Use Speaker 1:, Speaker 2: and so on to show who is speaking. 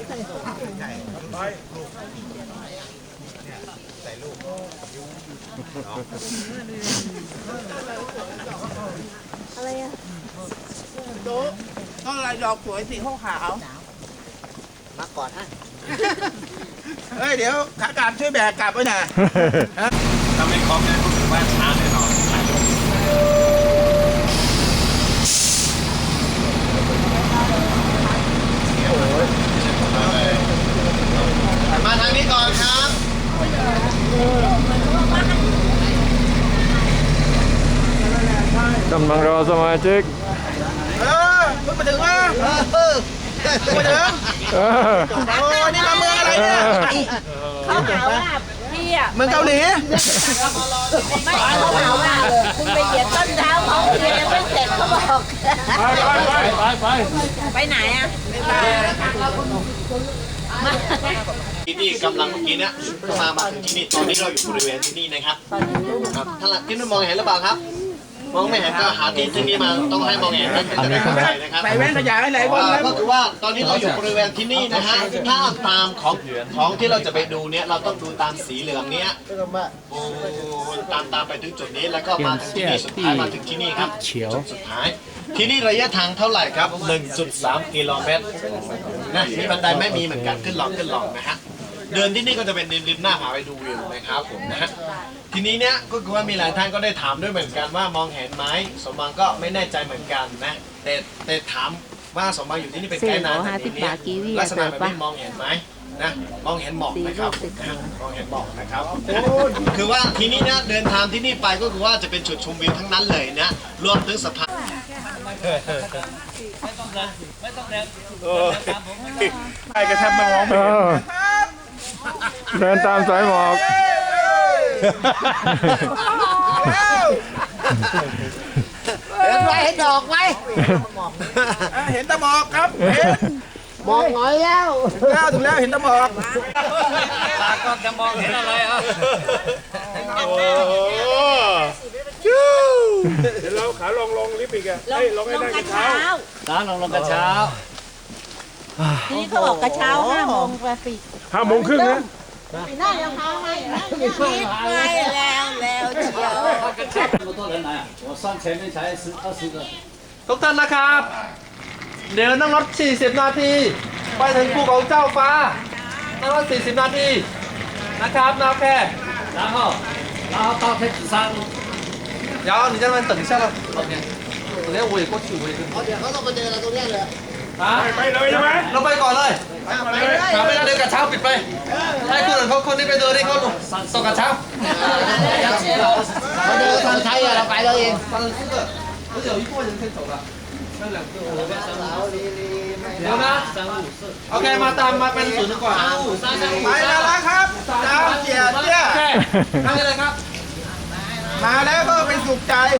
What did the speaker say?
Speaker 1: อะไรอ่ะ
Speaker 2: โต๊ะต้นอะไรดอกสวยสีขาว
Speaker 3: มาก่อนฮะ
Speaker 2: เฮ้ยเดี๋ยวขากลับช่วยแบกกลับไว้หน่อย
Speaker 4: ถ้าไม่ครบเนี่ยรู้สึกว่าช้าแน่นอนมาทางนี้ก่อนครับ
Speaker 5: กำลังรอสมาชิก
Speaker 2: เพิ่งมาถึงวะมาถึงโอ้นี่มาเมืองอะไรเนี่ย
Speaker 1: เขาหาว่าพี่อ่ะ
Speaker 2: เมืองเกาหลี
Speaker 1: ไม่เขาหาว่าคุณไปเหยียบต้นเท้าเขาเรียนยังไม่เสร็จเขาบอกไปไหนอ่ะ
Speaker 4: ที่นี่กำลังเมื่อกี้เนี่ยมาถึงที่นี่ตอนนี้เราอยู่บริเวณที่นี่นะครับถ้าที่นู่นมองเห็นหรือเปล่าครับมองไม่เห็นก็หาที่นี่มาต้องให้มองเห็นนั่นเป็นจะได้เข้าใจนะครับ
Speaker 2: ใส่แว่นขยายไหนบ้าง
Speaker 4: ก็คือว่าตอนนี้เราอยู่บริเวณที่นี่นะฮะถ้าตามของที่เราจะไปดูเนี่ยเราต้องดูตามสีเหลืองเนี้ยตามไปถึงจุดนี้แล้วก็มาถึงที่นี่สุดท้ายมาถึงที่นี่ครับจุดสุดท้ายที่นี่ระยะทางเท่าไหร่ครับ 1.3 กิโลเมตรนะมีบันไดไม่มีเหมือนกันขึ้นลองนะฮะเดินที่นี่ก็จะเป็นริมหน้าผาไปดูวิวนะครับผมนะฮะทีนี้เนี่ยก็คือว่ามีหลายท่านก็ได้ถามด้วยเหมือนกันว่ามองเห็นไหมสมบังก็ไม่แน่ใจเหมือนกันนะแต่ถามว่าสมบังอยู่ที่นี่เป็นไกด์นานแบบนี้ลักษณะแบบนี้มองเห็นไหมนะมองเห็นหมอกนะครับมองเห็นหมอกนะครับคือว่าทีนี้เนี่ยเดินทางที่นี่ไปก็คือว่าจะเป็นจุดชมวิวทั้งนั้นเลยนะรวมถึงสะพานไม่ต้องแรง
Speaker 2: ใครกระชับมามอง
Speaker 5: เดินตามสายหมอก
Speaker 3: เห็นไหมเห็นดอกไหม
Speaker 2: เห็นตะหมอกครับเห็น
Speaker 3: มองหน่อยแล้ว
Speaker 2: ถึงแล้วเห็นตะหมอก
Speaker 4: ตาก็จะมองเห็นอะไรอ่ะ
Speaker 2: โอ้จู้เดี๋ยวเราขาลงลิฟต์อีกอ่ะลงให้ได้กระเช้า
Speaker 4: ลงกระเช้า
Speaker 1: ทีนี้เขาบอกกระเช้า5 โมงไปปิด
Speaker 5: 5 โมงครึ่งนะ
Speaker 1: น่าจะพาให้คิดไปแล้วเชียว
Speaker 6: ทุกท่านนะครับเดี๋ยวนั่งรถ40 นาทีไปถึงภูเขาเจ้าฟ้านั่งรถ40 นาทีนะครับนะแค่然后到太子山然后你在那边等一下了OK等下我也过去我也跟
Speaker 3: เดี๋ยวเขาต้องมาเจอเราตรงนี้เลย
Speaker 2: ไปเลยใช่ไหม
Speaker 6: เราไปก่อนเลยไม่ได้เดินกระเช้าปิดไปให้คนอื่นเขาคนที่ไปเดินที่เขาส่งกระเช้า
Speaker 3: เขาเดินทางไทยอะเราไปเราเอง
Speaker 6: 而且有一部分人可以走了那2个我เดี๋ยวนะโอเคมาตามมาเป็นศูนย์ดีกว่า
Speaker 2: ไปแล้วครับเจ้าเกียรติเนี่ย
Speaker 6: นั่งเลยครับ
Speaker 2: มาแล้วก็เป็นสุขใจ